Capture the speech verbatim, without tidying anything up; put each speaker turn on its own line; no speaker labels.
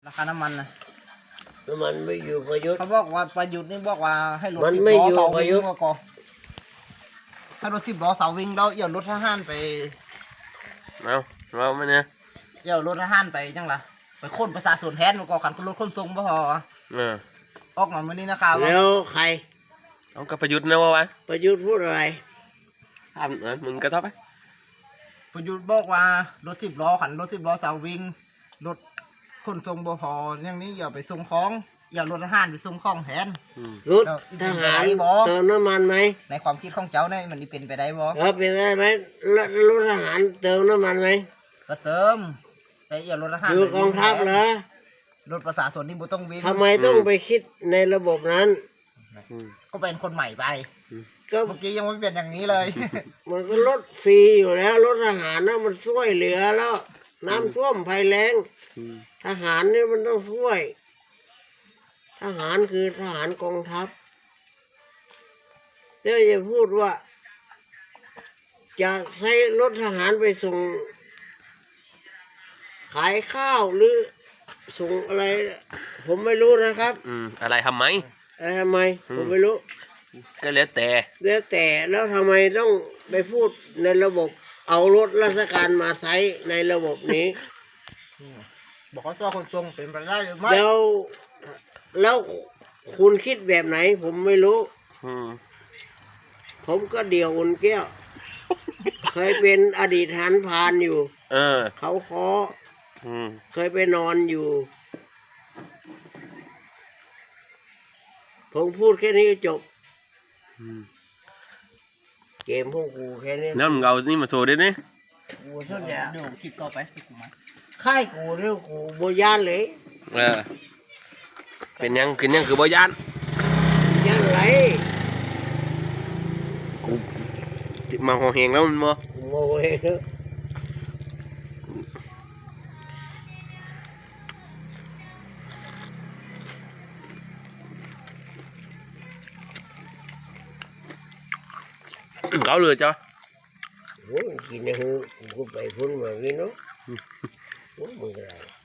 ราคาน้ำมันนะ
น้ำมันไม่อยู่ประยุทธ์
เขาบอกว่าประยุทธ์นี่บอกว่าให้รถ
มัน
สิบ
ไม่
ล้อ
อยู่
เสา
ประ
วิ่ง
ยุทธ์
ก็ก่อนถ้ารถสิบล้อเสาวิ่งแล้วเอี่ยวรถทหารไป
เอาเราไม่เนี่ย
เอี่ยวรถทหารไปจังล่ะไปค้นประชาชนแทนมันก็ขันรถขนส่งบ่พอ
เออ
ออกมาเมื่อนี้นะครับ
แล้วใคร
เอากระประยุทธ์นะวะวะ
ประยุทธ์พูดอะไร
ทำเออมึงกระทบไหม
ประยุทธ์บอกว่ารถสิบล้อขันรถสิบล้อเสาวิ่งรถขนส่งบ่พออย่างนี้อย่าไปส่งของอย่ารถทหารไปส่งของแทน
อืม
รถทหารเติมน้ำมันไหม
ในความคิดของเจ้าเนี่ยมันนี่เป็นไปได้บ่
เออเป็นได้ไหมรถรถทหารเติมน้ำมันไหม
ก็เติมแต่อย่ารถทหาร
อยู่กองทัพเหรอ
รถประชาชนนี่บ่ต้องวิ่ง
ทำไมต้องไปคิดในระบบนั้น
อืม
ก็เป็นคนใหม่ไป
ก็
เมื่อกี้ยังไม่เป็นอย่างนี้เลย
มันก็รถฟรีอยู่แล้วรถทหารนะมันช่วยเหลือแล้ว น้ำท่วมภัยแล้ง
อืม
ทหารนี่มันต้องช่วย ทหารคือทหารกองทัพเดี๋ยวจะพูดว่า จะใช้รถทหารไปส่ง ขายข้าวหรือส่งอะไร ผมไม่รู้นะครับ
อืมอะไรทำไม
แต่ทำไม ผมไม่รู้
ก็แล้วแต่
แล้วแต่แล้วทำไมต้องไปพูดในระบบ เอารถราชการมาใช้ในระบบนี้
บอกเขาตัวคนทรงเป็นไปได้หรือไม่
แล้วแล้วคุณคิดแบบไหน ผมไม่รู้
อืม
ผมก็เดี่ยวอุ่นแก้ว เคยเป็นอดีตทหารพรานอยู่
เออ
เขาคอ
อืม
เคยไปนอนอยู่ ผมพูดแค่นี้ก็จบ
อืม
เกมพวกกูแค่นี้
น้ำมึงเอานี่มาโชว์ด้วยนี่
กูเท่านี้
เดี๋ยวคลิปต่อไปที่กูมา
ค่ายกูเรื่องกูโบยานเลย
เออเป็นยังเป็นยังคือบ่ยาน
ยานไร
กูมาหอแหงแล้วมันบ่
กูโมเอง
เขาเลยจ้ะ
โอ้ยกินในหูกูไปพุ่นมาวินเนาะโอ้ยมึงอะไร